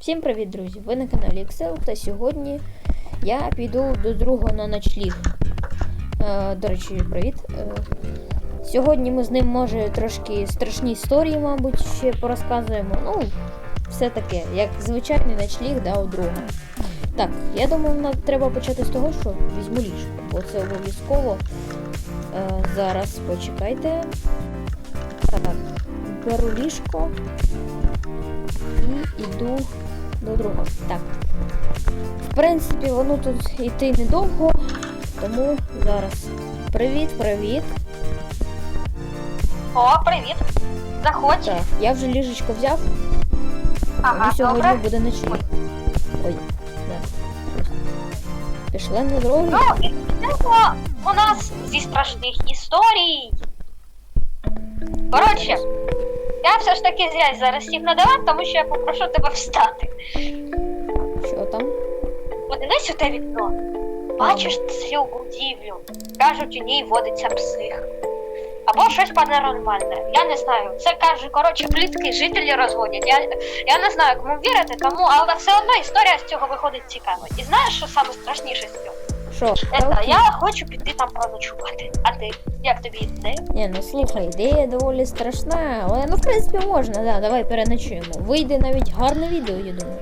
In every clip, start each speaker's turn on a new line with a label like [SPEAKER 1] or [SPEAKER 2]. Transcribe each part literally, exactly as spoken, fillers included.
[SPEAKER 1] Всім привіт, друзі! Ви на каналі Excel, та сьогодні я піду до другого на ночліг. Е, до речі, привіт. Е, сьогодні ми з ним, може, трошки страшні історії, мабуть, ще порозказуємо. Ну, все таке, як звичайний ночліг, да, у друга. Так, я думаю, нам треба почати з того, що візьму ліжко, бо це обов'язково. Е, зараз почекайте. Так, беру ліжко і йду до другого. Так. В принципі, воно тут йти недовго, тому зараз. Привіт, привіт.
[SPEAKER 2] О, привіт. Заходь.
[SPEAKER 1] Так, я вже ліжечко взяв.
[SPEAKER 2] Ага,
[SPEAKER 1] і сьогодні
[SPEAKER 2] добре.
[SPEAKER 1] буде ночліг. Ой, да. Пішли на дорогу.
[SPEAKER 2] Ну, і йдемо у нас зі страшних історій. Коротше, я все ж таки зря зараз сів на диван, тому що я попрошу тебе встати.
[SPEAKER 1] Що там?
[SPEAKER 2] Подивись у те вікно. Бачиш цю будівлю? Кажуть, у ній водиться псих. Або щось паранормальне. Я не знаю. Це кажуть, коротше, плітки жителі розводять. Я, я не знаю, кому вірити, тому, але все одно історія з цього виходить цікава. І знаєш, що саме страшніше з цього?
[SPEAKER 1] Що?
[SPEAKER 2] Це, я хочу піти там проночувати. А ти? Як тобі ідея?
[SPEAKER 1] Ні, ну слухай, ідея доволі страшна, але ну в принципі можна, да, давай переночуємо. Вийде навіть гарне відео, я думаю.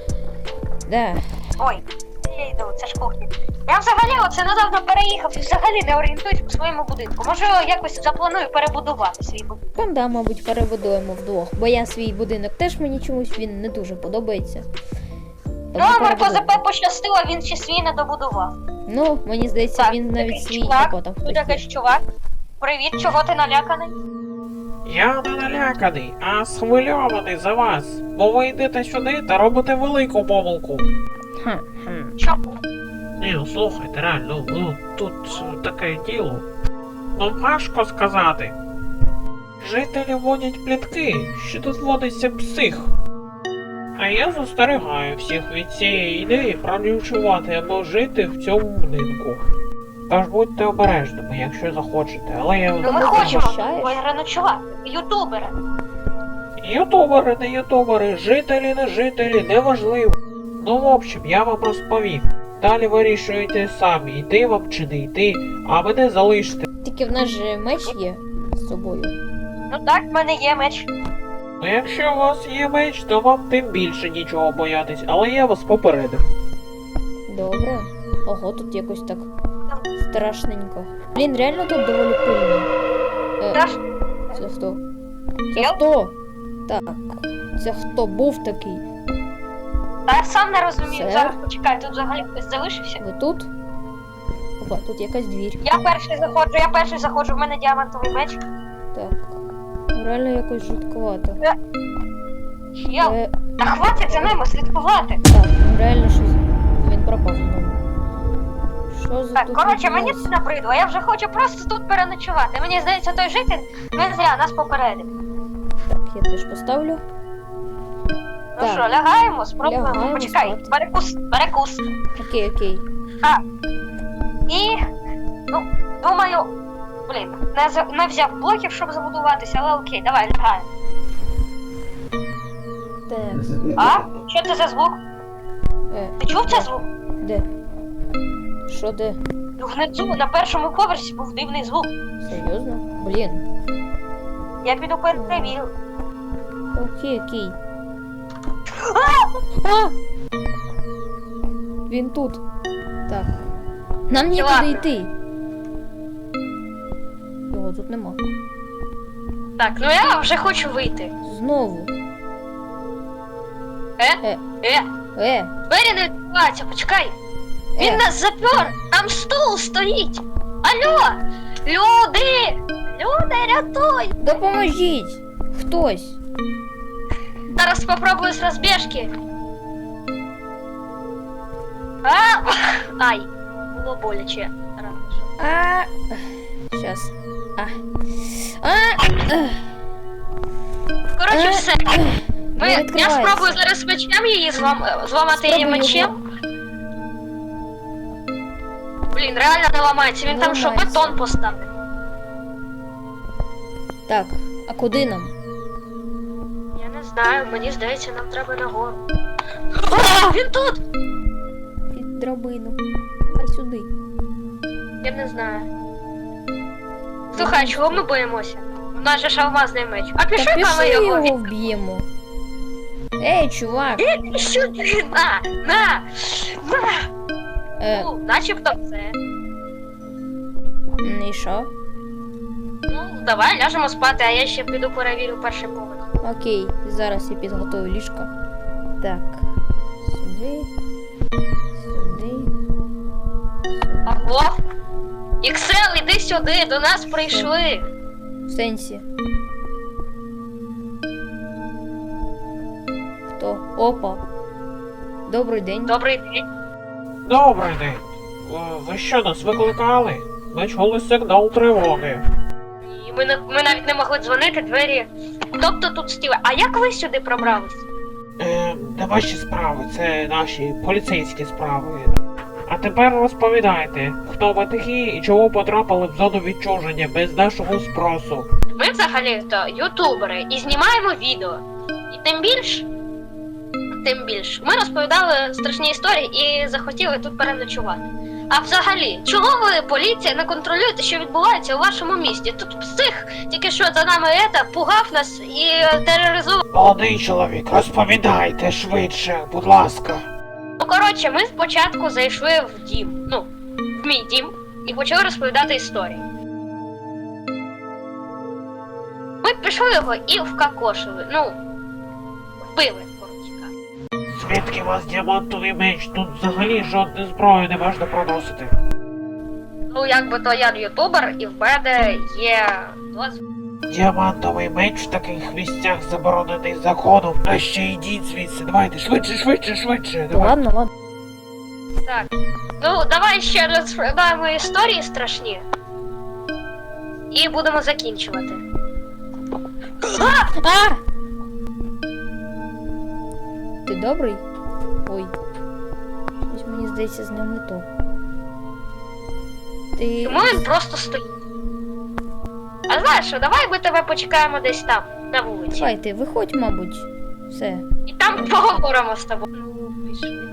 [SPEAKER 1] Да.
[SPEAKER 2] Ой, я йду, це ж кухня. Я взагалі оце недавно переїхав і взагалі не орієнтуюсь у своєму будинку. Може, якось запланую перебудувати свій будинок.
[SPEAKER 1] Там, да, мабуть, перебудуємо вдвох, бо я свій будинок теж мені чомусь він не дуже подобається.
[SPEAKER 2] Ну, а Марко ЗП пощастило, він ще свій не добудував.
[SPEAKER 1] Ну, мені здається,
[SPEAKER 2] Так,
[SPEAKER 1] він навіть
[SPEAKER 2] якийсь
[SPEAKER 1] свій
[SPEAKER 2] чувак,
[SPEAKER 1] тако там
[SPEAKER 2] тут
[SPEAKER 1] хтось.
[SPEAKER 2] якийсь чувак. Привіт, чого ти наляканий?
[SPEAKER 3] Я не наляканий, а схвильований за вас, бо ви йдете сюди та робите велику помилку.
[SPEAKER 1] Ха, ха.
[SPEAKER 2] Чому?
[SPEAKER 3] Ні, ну слухайте, реально, ну тут таке діло. Ну важко сказати. Жителі водять плітки, що тут водиться псих. А я застерігаю всіх від цієї ідеї проночувати або жити в цьому будинку. Тож будьте обережними, якщо захочете, але я
[SPEAKER 2] Ну ми
[SPEAKER 1] ти
[SPEAKER 2] хочемо
[SPEAKER 1] захищаєш?
[SPEAKER 2] переночувати. Ютубери.
[SPEAKER 3] Ютубери, не ютубери, жителі, не жителі, неважливо. Ну, в общем, я вам розповім. Далі вирішуєте самі, йти вам чи не йти, а мене залиште.
[SPEAKER 1] Тільки в нас же меч є з собою.
[SPEAKER 2] Ну так, в мене є меч.
[SPEAKER 3] Ну, якщо у вас є меч, то вам тим більше нічого боятись, але я вас попередив.
[SPEAKER 1] Добре. Ого, тут якось так страшненько. Блін, реально тут доволі пильно. Е,
[SPEAKER 2] Та ж,
[SPEAKER 1] це хто? Це
[SPEAKER 2] Я?
[SPEAKER 1] хто? Так. Це хто був такий?
[SPEAKER 2] та я сам не розумію.
[SPEAKER 1] Це?
[SPEAKER 2] Зараз почекай, тут взагалі хтось залишився.
[SPEAKER 1] Ви тут? Опа, тут якась двір.
[SPEAKER 2] Я перший заходжу, я перший заходжу, в мене діамантовий меч.
[SPEAKER 1] Так. Ну, реально якось жутковато.
[SPEAKER 2] Я...
[SPEAKER 1] Е,
[SPEAKER 2] Та хватить за ними слідкувати.
[SPEAKER 1] так, ну реально щось. Він пропав знову. Що за
[SPEAKER 2] Так,
[SPEAKER 1] тут
[SPEAKER 2] коротше, мені
[SPEAKER 1] відбулося?
[SPEAKER 2] це набридло, я вже хочу просто тут переночувати. Мені здається, той житель не зря нас попередив.
[SPEAKER 1] Так, я теж поставлю.
[SPEAKER 2] Ну
[SPEAKER 1] Так.
[SPEAKER 2] що, лягаємо, спробуємо.
[SPEAKER 1] Лягаємо
[SPEAKER 2] Почекай,
[SPEAKER 1] спати.
[SPEAKER 2] перекус, перекус.
[SPEAKER 1] Окей, окей.
[SPEAKER 2] А. І, ну, думаю, блін, не, за- не взяв блоків, щоб забудуватися, але окей, давай, лягаємо.
[SPEAKER 1] Так.
[SPEAKER 2] А? Що це за звук?
[SPEAKER 1] Е,
[SPEAKER 2] Ти чув цей звук?
[SPEAKER 1] де? Що де?
[SPEAKER 2] Ну, внизу, на першому поверсі був дивний звук.
[SPEAKER 1] Серйозно? Блін.
[SPEAKER 2] Я піду перевірю.
[SPEAKER 1] Окей, окей. А! Він тут. Так. Нам нікуди
[SPEAKER 2] Ладно.
[SPEAKER 1] йти. Його тут нема.
[SPEAKER 2] Так, ну я вже хочу вийти.
[SPEAKER 1] Знову.
[SPEAKER 2] Е?
[SPEAKER 1] Е.
[SPEAKER 2] Е?
[SPEAKER 1] Е,
[SPEAKER 2] Двері не відкриваються, почекай. Він
[SPEAKER 1] е.
[SPEAKER 2] нас запер! Там стул стоїть! Алло! Люди! Люди, рятуй!
[SPEAKER 1] Допоможіть! Хтось.
[SPEAKER 2] Зараз спробую з розбіжки. А! Ай! Було боляче. Рано, що.
[SPEAKER 1] А. Щас. А. А. Ех.
[SPEAKER 2] Коротше,
[SPEAKER 1] Е.
[SPEAKER 2] все. Ви,
[SPEAKER 1] Не
[SPEAKER 2] я
[SPEAKER 1] відкривається.
[SPEAKER 2] спробую зараз мечем її злам, зламати її
[SPEAKER 1] Спробуй
[SPEAKER 2] мечем.
[SPEAKER 1] його.
[SPEAKER 2] Блін, реально не ламається. Він
[SPEAKER 1] Не
[SPEAKER 2] там що,
[SPEAKER 1] ламається.
[SPEAKER 2] бетон поставив.
[SPEAKER 1] Так, а куди нам?
[SPEAKER 2] Я не знаю, мені здається, нам треба нагору. А, він тут!
[SPEAKER 1] Під драбину. Давай сюди.
[SPEAKER 2] Я не знаю. Слухай, а чого ми боїмося? У нас же ж алмазний меч. А
[SPEAKER 1] Та
[SPEAKER 2] пішли там
[SPEAKER 1] пішли
[SPEAKER 2] його.
[SPEAKER 1] його вб'ємо. Ей, чувак.
[SPEAKER 2] Е, що ти? На, на, на.
[SPEAKER 1] Е,
[SPEAKER 2] Ну, начебто все.
[SPEAKER 1] і що?
[SPEAKER 2] Ну, давай ляжемо спати, а я ще піду перевірю перший поверх.
[SPEAKER 1] Окей, зараз я підготую ліжко. Так. Сюди. Сюди.
[SPEAKER 2] Алло? Іксел, іди сюди, до нас прийшли.
[SPEAKER 1] В сенсі. Хто? Опа. Добрий день.
[SPEAKER 2] Добрий день.
[SPEAKER 3] Добрий день. Е, Ви що, нас викликали? Ми чули сигнал тривоги.
[SPEAKER 2] І ми, не- ми навіть не могли дзвонити, двері. Тобто тут стіли. А як ви сюди пробрались?
[SPEAKER 3] Е, не ваші справи, це наші поліцейські справи. А тепер розповідайте, хто ви такі і чого потрапили в зону відчуження без нашого спросу.
[SPEAKER 2] Ми взагалі-то ютубери і знімаємо відео. І тим більш, тим більш, ми розповідали страшні історії і захотіли тут переночувати. А взагалі, чого ви, поліція, не контролюєте, що відбувається у вашому місті? Тут псих тільки що за нами ета, пугав нас і тероризував.
[SPEAKER 3] Молодий чоловік, розповідайте швидше, будь ласка.
[SPEAKER 2] Ну, коротше, ми спочатку зайшли в дім, ну, в мій дім, і почали розповідати історії. Ми пішли його і вкакошили, ну, вбили, коротше кажучи.
[SPEAKER 3] Звідки у вас діамантовий меч? Тут взагалі жодної зброї не можна проносити.
[SPEAKER 2] Ну, якби то я ютубер, і в мене є дозвіл.
[SPEAKER 3] Діамантовий меч в таких місцях заборонений законом. А ще йдіть звідси, давайте, швидше, швидше, швидше.
[SPEAKER 1] Ну, ладно, ладно.
[SPEAKER 2] Так. Ну, давай ще розповідаємо історії страшні. І будемо закінчувати.
[SPEAKER 1] А! Ти добрий? Ой. Щось мені здається з ним не то. Ти.
[SPEAKER 2] Тому він просто стоїть. А знаєш що, давай ми тебе почекаємо десь там, на вулиці.
[SPEAKER 1] Давай ти, виходь, мабуть. Все.
[SPEAKER 2] І там поговоримо з тобою. Ну, пішли.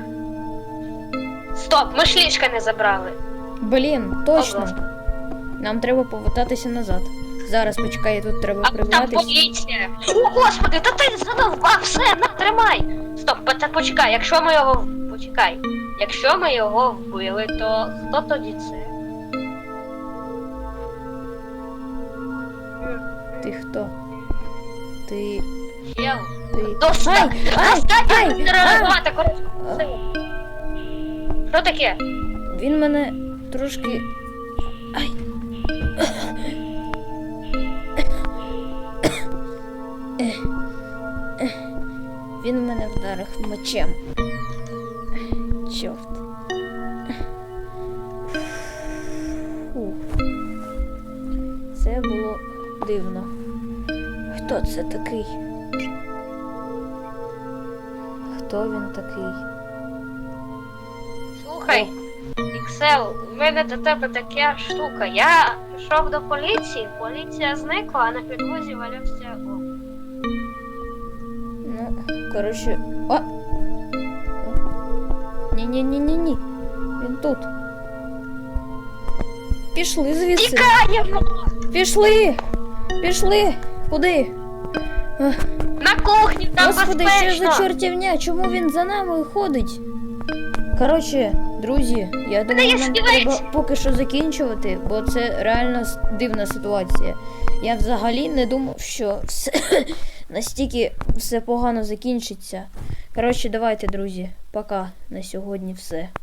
[SPEAKER 2] Стоп, ми ж ліжка не забрали.
[SPEAKER 1] Блін, точно.
[SPEAKER 2] Ого.
[SPEAKER 1] Нам треба повертатися назад. Зараз почекай, тут треба
[SPEAKER 2] А там
[SPEAKER 1] прибратися.
[SPEAKER 2] поліція. О, господи, та ти задовбав, все, на, тримай. Стоп, та почекай, якщо ми його... в- Почекай. Якщо ми його вбили, то хто тоді це?
[SPEAKER 1] Ти хто? Ти.
[SPEAKER 2] Чел.
[SPEAKER 1] Ти.
[SPEAKER 2] Достатньо!
[SPEAKER 1] Ай, ай,
[SPEAKER 2] Достатньо
[SPEAKER 1] ай,
[SPEAKER 2] тероризувати коротко. Що таке?
[SPEAKER 1] Він мене трошки. Ай. Він мене вдарив мечем. Чорт. Фух. Це було дивно. Хто це такий? Хто він такий?
[SPEAKER 2] Слухай, Іксел, у мене до тебе така штука. Я пішов до поліції, поліція зникла, а на підлозі валявся о.
[SPEAKER 1] Ну, коротше. О! Ні-ні-ні-ні-ні. Він тут. Пішли звідси.
[SPEAKER 2] Тікаємо!
[SPEAKER 1] Пішли! Пішли! Куди?
[SPEAKER 2] На кухні, там
[SPEAKER 1] Господи, що
[SPEAKER 2] безпечно!
[SPEAKER 1] за чортівня? Чому він за нами ходить? Коротше, друзі, я думаю,
[SPEAKER 2] є
[SPEAKER 1] нам
[SPEAKER 2] стілець!
[SPEAKER 1] треба поки що закінчувати, бо це реально с- дивна ситуація. Я взагалі не думав, що все настільки все погано закінчиться. Коротше, давайте, друзі, пока на сьогодні все.